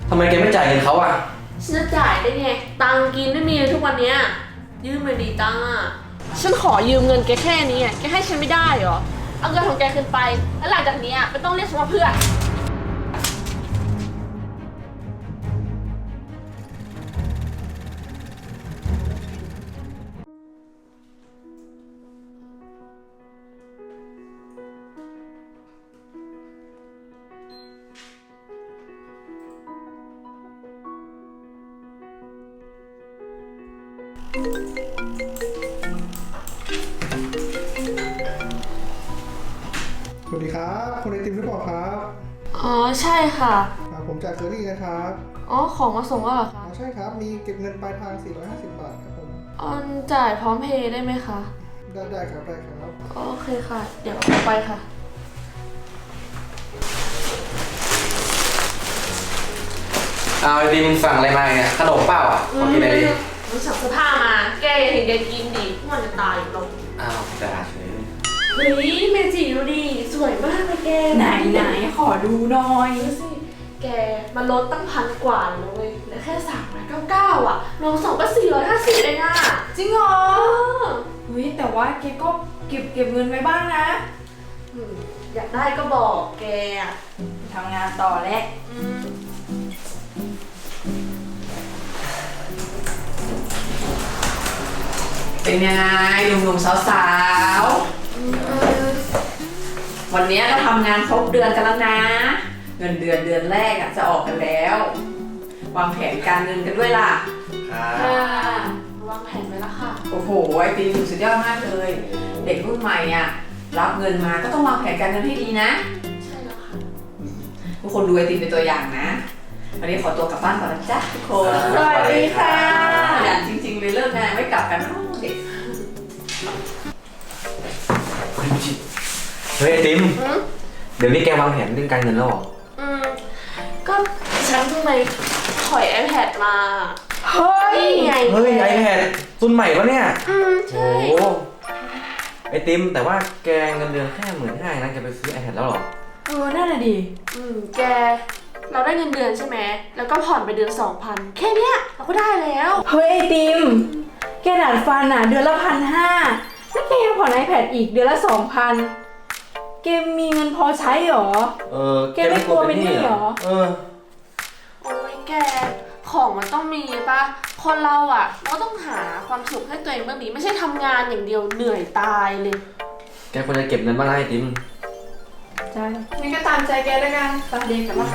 ทำไมแกไม่จ่ายเงินเขาอ่ะฉันจะจ่ายได้ไงตังกินไม่มีเลยทุกวันเนี้ยยืมมาดีตังอ่ะฉันขอยืมเงินแกแค่นี้แกให้ฉันไม่ได้เหรอเอาเงินของแกคืนไปแล้วหลังจากนี้ไม่ต้องเรียกฉันว่าเพื่อนสวัสดีครับคนไอติมหรือเปล่าครับอ๋อใช่ค่ะผมจากเคอรี่นะครับอ๋อของมาส่งแล้วเหรอคะใช่ครับมีเก็บเงินปลายทาง450 บาทครับผมจ่ายพร้อมเพย์ได้ไหมคะได้ครับได้ครับโอเคค่ะเดี๋ยวเอาไปค่ะเอาไอติมสั่งอะไรมาเนี่ยขนมเปล่าอ่ะขอกินอะไรดิรู้สั่งเสื้อผ้ามาแกเห็นแกกินดิมันจะตายอยู่ลงอ้าวด่าเฉยเฮ้ยเมจิดูดิสวยมากเลยแกไหนขอดูหน่อยดูสิแกมันลดตั้ง1,000 กว่าเลยเว้ยเหลือแค่399รวม2ก็450เองจริงเหรอเฮ้ยแต่ว่าแกก็เก็บเงินไว้บ้างนะอยากได้ก็บอกแกทำงานต่อแล้วเป็นยังไงหนุ่มๆสาวๆวันนี้เราทำงานครบเดือนกันแล้วนะเงินเดือนแรกจะออกกันแล้ววางแผนการเงินกันด้วยล่ะค่ะวางแผนไว้แล้วค่ะโอ้โหไอติมสุดยอดมากเลยเด็กรุ่นใหม่รับเงินมาก็ต้องวางแผนการเงินให้ดีนะใช่แล้วค่ะทุกคนดูไอติมเป็นตัวอย่างนะวันนี้ขอตัวกลับบ้านก่อนนะจ๊ะทุกคนสวัสดีค่ะอย่างจริงๆเลยเลิกงานไม่กลับกันเด็กเฮ้ยไอติมเดี๋ยวนี้แกวางแผนเรื่องการเงินแล้วหรอก็ฉันเพิ่งไปถอย iPad มาเฮ้ยไงiPad รุ่นใหม่ปะเนี่ยใช่โอ้ไอติมแต่ว่าแกเงินเดือนแค่15,000นะแกไปซื้อ iPad แล้วหรอนั่นน่ะดิแกเราได้เงินเดือนใช่ไหมแล้วก็ผ่อนไปเดือน 2,000แค่เนี้ยเราก็ได้แล้วเฮ้ยไอติมแกดัดฟันเดือนละ1,500แล้วแกยังผ่อน iPad อีกเดือนละ2,000แกมีเงินพอใช้หรอแกไม่กลัวเป็นหนี้หรอโอ้ยแกของมันต้องมีปะคนเราเราก็ต้องหาความสุขให้ตัวเองบ้างดิไม่ใช่ทำงานอย่างเดียวเหนื่อยตายเลยแกควรจะเก็บเงินบ้างนะไอติมใช่งั้นก็ตามใจแกแล้วกันตามเด็กกันว่า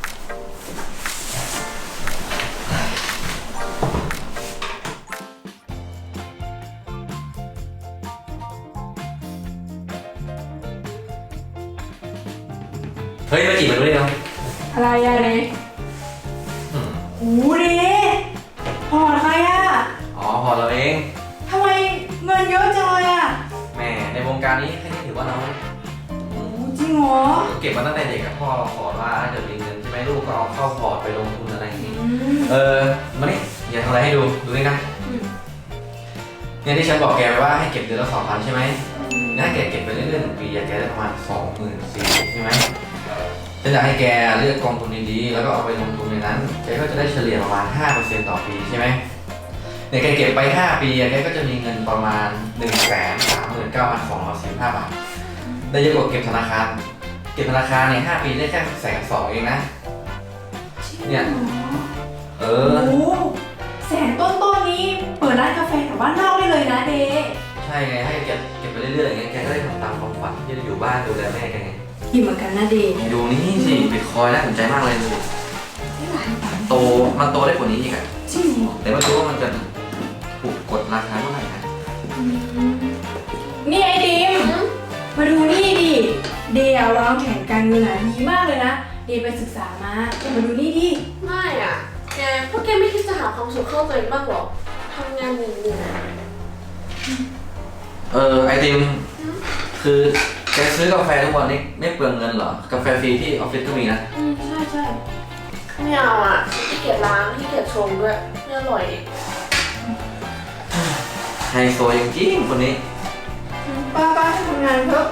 เฮ้ยมาจีบมันด้วยเนาะอะไรเลยโอ้ดิพอใครอ๋อพอเราเองทำไมเงินเยอะจังเลยแม่ในวงการนี้แค่นี้ถือว่าน้อยจริงเหรอเก็บมาตั้งแต่เด็กกับพ่อขอว่าถ้าเกิดมีเงินใช่ไหมลูกก็เอาเข้าพอร์ตไปลงทุนอะไรอย่างนี้มานี่อย่าทำอะไรให้ดูนี่นะเนี่ยที่ฉันบอกแกว่าให้เก็บเดือนละ2,000ใช่ไหมถ้าแกเก็บไปเรื่อยๆ1 ปีแกได้ประมาณ24,000ใช่ไหมฉันอยากให้แกเลือกกองทุนดีๆแล้วก็เอาไปลงทุนในนั้นแกก็จะได้เฉลี่ยประมาณ 5% ต่อปีใช่ไหมเนี่ยแกเก็บไป5 ปีแกก็จะมีเงินประมาณ 139,245 บาทได้เยอะกว่าเก็บธนาคารเนี่ย5 ปีได้แค่120,000เองนะเนี่ยโอ้100,000ต้นนี้เปิดร้านกาแฟแถวบ้านนอกได้เลยนะเดใช่ไงให้เก็บไปเรื่อยๆอย่างเงี้ยแกก็ได้ทำตามความฝันที่จะอยู่บ้านดูแลแม่แกไงดีเหมือนกันนะเดดูนี่สิบิตคอยน์น่าสนใจมากเลยมันโตได้กว่านี้อีกจริงแต่ไม่รู้ว่ามันจะถูกกดราคาเท่าไหร่นะนี่ไอติมมาดูนี่ดิเดย์วางแผนการเงินดีมากเลยนะเดย์ไปศึกษามามาดูนี่ดิไม่แกพวกแกไม่คิดจะหาความสุขเข้าตัวเองบ้างหรอทำงานเหนื่อยไอติมคือแกซื้อกาแฟทุกวันนี้ไม่เปลืองเงินเหรอกาแฟฟรีที่ออฟฟิศก็มีนะใช่ไม่เอาขี้เกียจล้างขี้เกียจชงด้วยไม่อร่อยไฮโซจริงๆคนนี้ป้าให้ทำงานเถอะ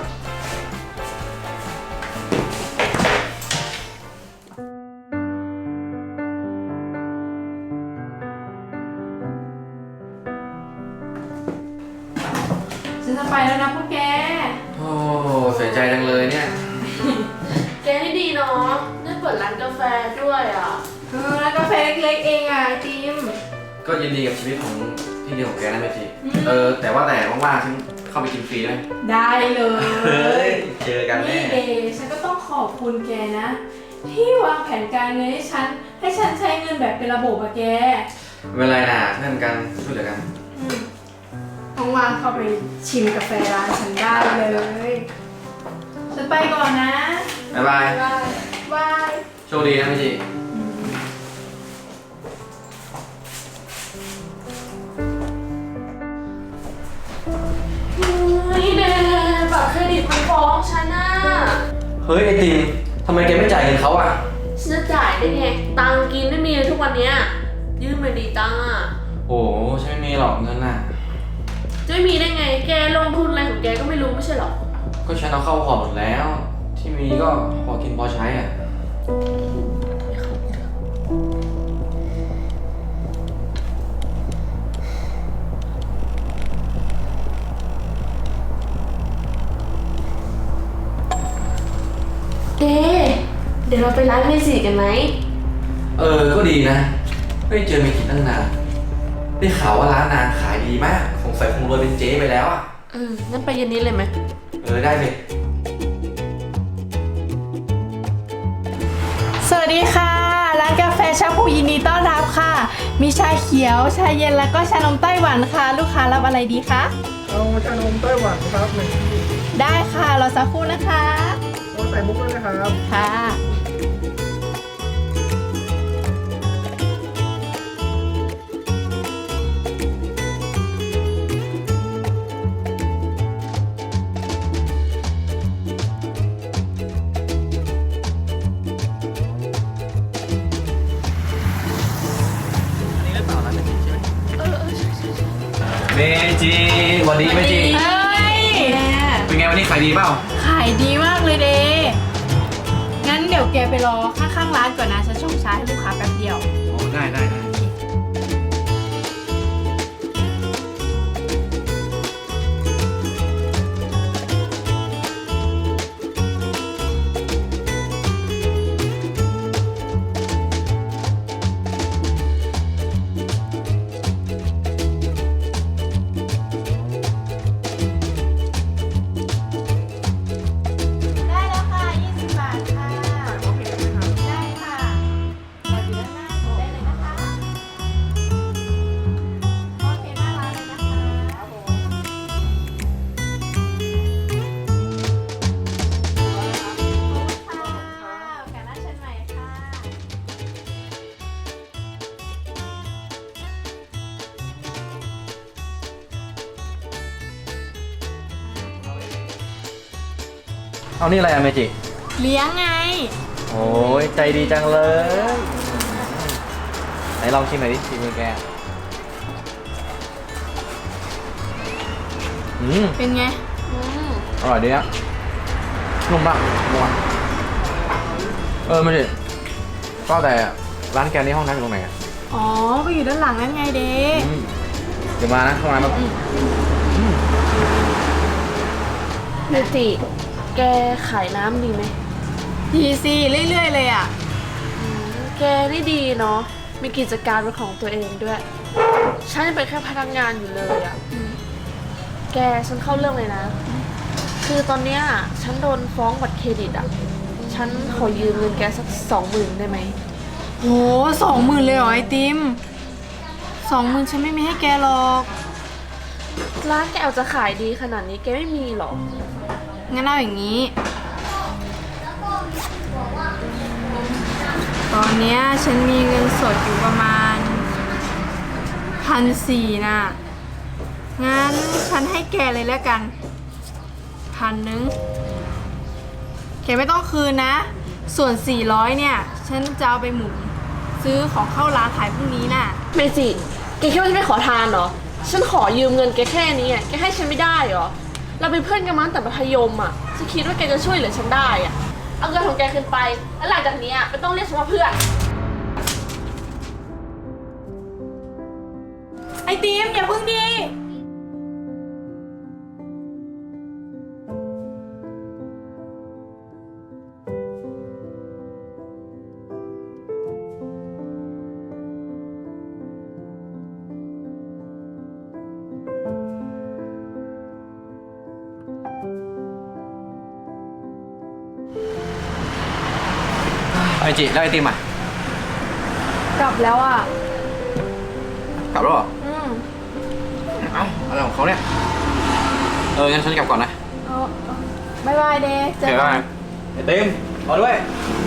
ไปแล้วนะพวกแกโอ้เสียใจจังเลยเนี่ยแกนี่ดีเนาะได้เปิดร้านกาแฟด้วยอ่ะแล้วกาแฟเล็กๆเองอ่ะไอติมก็ยินดีกับชีวิตของที่ดีของแกนะเมจิแต่ว่าแต่ว่างๆฉันเข้าไปกินฟรีได้ไหมได้เลยเฮ้ยเจอกันแน่นี่เดย์ฉันก็ต้องขอบคุณแกนะ ที่วางแผนการเงินให้ฉันใช้เงินแบบเป็นระบบอะแกไม่เป็นไรนะเพื่อนกันช่วยเหลือกันว่างๆเข้าไปชิมกาแฟร้านฉันได้เลย ฉันไปก่อนนะบ๊ายบายบายโชคดีนะเมจิเฮ้ยเดบัตรเครดิตมันฟ้องฉันน่ะเฮ้ยไอติมทำไมแกไม่จ่ายเงินเขาอ่ะฉันจะจ่ายได้ไง ตังค์กินไม่มีเลยทุกวันเนี้ยยืมมาดีตังค์อ่ะโอ้ฉันไม่มีหรอกเงินน่ะจะไม่มีได้ไง แกลงทุนอะไรของแกก็ไม่รู้ไม่ใช่หรอก็ฉันเอาเข้าพอร์ตหมดแล้ว ที่มีก็พอกินพอใช้อ่ะเดี๋ยวเราไปร้านเมจิกันไหมก็ดีนะ ไม่เจอเมจิตั้งนานได้ข่าวว่าร้านนางขายดีมากสงสัยคงรวยเป็นเจ๊ไปแล้วอ่ะงั้นไปเย็นนี้เลยไหมได้เลยสวัสดีค่ะ ร้านกาแฟชาพูยินดีต้อนรับค่ะ มีชาเขียว ชาเย็นแล้วก็ชานมไต้หวันค่ะ ลูกค้ารับอะไรดีคะเอาชานมไต้หวันครับหนึ่งที่ได้ค่ะรอสักครู่นะคะเอาใส่มุกด้วยนะครับค่ะนี่หรือเปล่าร้านเมจิใช่ไหมเมจิวันดีเมจิเฮ้ยเป็นไงวันนี้ขายดีเปล่าขายดีมากเลยเดงั้นเดี๋ยวแกไปรอข้างๆร้านก่อนนะ ฉันชงชาให้ลูกค้าแป๊บเดียวอ๋อได้ได้ได้แล้วค่ะ 20 บาทค่ะ ได้ค่ะรออยู่ด้านหน้าได้เลยนะคะโอเคหน้าร้านเลยนะคะครับผมขอบคุณค่ะโอกาสหน้าเชิญใหม่ค่ะเอานี่อะไรอะเมจิเลี้ยงไงโอ้ยใจดีจังเลยไหนลองชิมหน่อยดิชิมมือแกเป็นไงอร่อยดีอะนุ่มมากนัวเมจิก็แต่ร้านแกนี่ห้องน้ำอยู่ตรงไหนอะอ๋อ ก็อยู่ด้านหลังนั่นไงเด็กเดี๋ยวมานะเข้ามาแบบเมจิแกขายน้ำดีไหมดีสิเรื่อยๆเลยอ่ะแกนี่ดีเนาะ มีกิจการเป็นของตัวเองด้วย ฉันยังเป็นแค่พนักงานอยู่เลยอะแกฉันเข้าเรื่องเลยนะ คือตอนเนี้ยฉันโดนฟ้องบัตรเครดิตอะฉันขอยืมเงินแกสัก20,000ได้ไหมโห20,000เลยเหรอไอติม20,000ฉันไม่มีให้แกหรอกร้านแกเอาจะขายดีขนาดนี้แกไม่มีหรองั้นเอาอย่างนี้ ตอนเนี้ยฉันมีเงินสดอยู่ประมาณ1,400น่ะ งั้นฉันให้แกเลยแล้วกัน1,000แกไม่ต้องคืนนะ ส่วน400เนี่ย ฉันจะเอาไปหมุนซื้อของเข้าร้านขายพรุ่งนี้น่ะเมจิแกคิดว่าฉันไม่ขอทานเหรอ ฉันขอยืมเงินแกแค่นี้อะแกให้ฉันไม่ได้เหรอ เราเป็นเพื่อนกันมาตั้งแต่มัธยมอ่ะฉันคิดว่าแกจะช่วยเหลือฉันได้อ่ะ เอาเงินของแกคืนไป แล้วหลังจากนี้อ่ะไม่ต้องเรียกฉันว่าเพื่อนไอติมอย่าพึ่งดีไอจิแล้วไอติมอ่ะกลับแล้วอ่ะกลับแล้วเหรออืมเอ้าอะไรของเขาเนี่ยงั้นฉันกลับก่อนนะบ๊ายบายเดย์เจอเดี๋ยวกัได้นไอติมรอด้วยอ